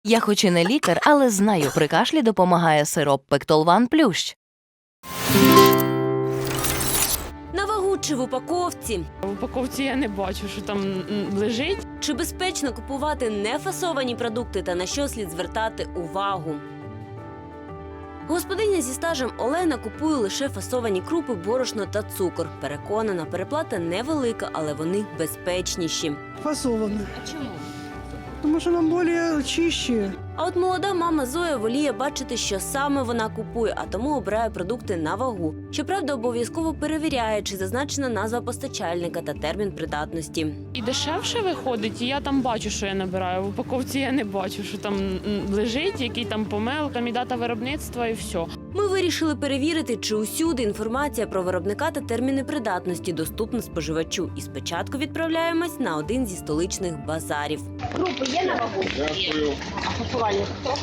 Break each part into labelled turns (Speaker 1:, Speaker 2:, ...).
Speaker 1: Я хоч і не лікар, але знаю, при кашлі допомагає сироп Пектолван Плющ.
Speaker 2: На вагу чи в упаковці?
Speaker 3: В упаковці я не бачу, що там лежить.
Speaker 2: Чи безпечно купувати нефасовані продукти та на що слід звертати увагу? Господиня зі стажем Олена купує лише фасовані крупи, борошно та цукор. Переконана, переплата невелика, але вони безпечніші.
Speaker 4: Фасовано.
Speaker 2: А чому?
Speaker 4: Тому що нам більш чище.
Speaker 2: А от молода мама Зоя воліє бачити, що саме вона купує, а тому обирає продукти на вагу. Щоправда, обов'язково перевіряє, чи зазначена назва постачальника та термін придатності.
Speaker 3: І дешевше виходить, і я там бачу, що я набираю. В упаковці я не бачу, що там лежить, який там помилка, і дата виробництва, і все.
Speaker 2: Ми вирішили перевірити, чи усюди інформація про виробника та терміни придатності доступна споживачу. І спочатку відправляємось на один зі столичних базарів.
Speaker 5: Групи є на вагу?
Speaker 6: Дякую.
Speaker 5: А фасувальник хто?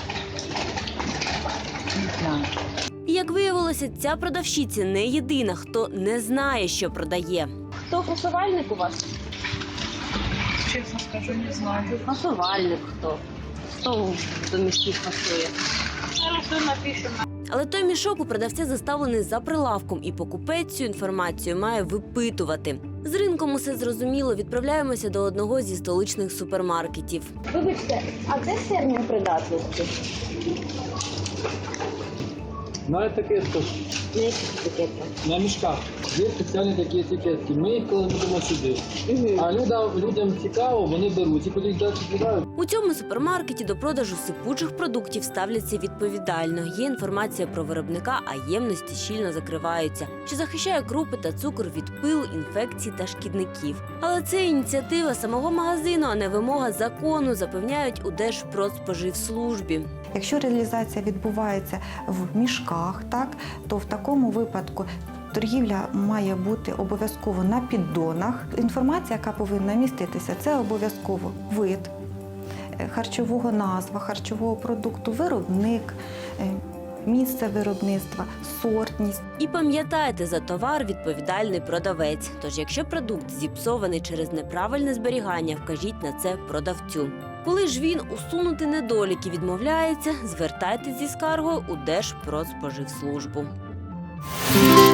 Speaker 2: І як виявилося, ця продавщиця не єдина, хто не знає, що продає.
Speaker 5: Хто фасувальник у вас?
Speaker 6: Чесно скажу, не знаю.
Speaker 5: Фасувальник хто? Хто до мішків фасує?
Speaker 6: Зараз все напишемо.
Speaker 2: Але той мішок у продавця заставлений за прилавком, і покупець цю інформацію має випитувати. З ринком усе зрозуміло, відправляємося до одного зі столичних супермаркетів.
Speaker 5: Вибачте, а де термін придатності?
Speaker 7: На етикетках,
Speaker 5: На яких етикетках?
Speaker 7: на мішках. Є спеціальні такі етикетки. Ми їх кладемо сюди. А людям цікаво, вони беруть і коли їх далі збирають.
Speaker 2: У цьому супермаркеті до продажу сипучих продуктів ставляться відповідально. Є інформація про виробника, а ємності щільно закриваються, що захищає крупи та цукор від пилу, інфекцій та шкідників. Але це ініціатива самого магазину, а не вимога закону, запевняють у Держпродспоживслужбі.
Speaker 8: Якщо реалізація відбувається в мішках, так, то в такому випадку торгівля має бути обов'язково на піддонах. Інформація, яка повинна міститися, це обов'язково вид харчового, назва харчового продукту, виробник, місце виробництва, сортність.
Speaker 2: І пам'ятайте, за товар відповідальний продавець. Тож, якщо продукт зіпсований через неправильне зберігання, вкажіть на це продавцю. Коли ж він усунути недоліки відмовляється, звертайтесь зі скаргою у Держпродспоживслужбу.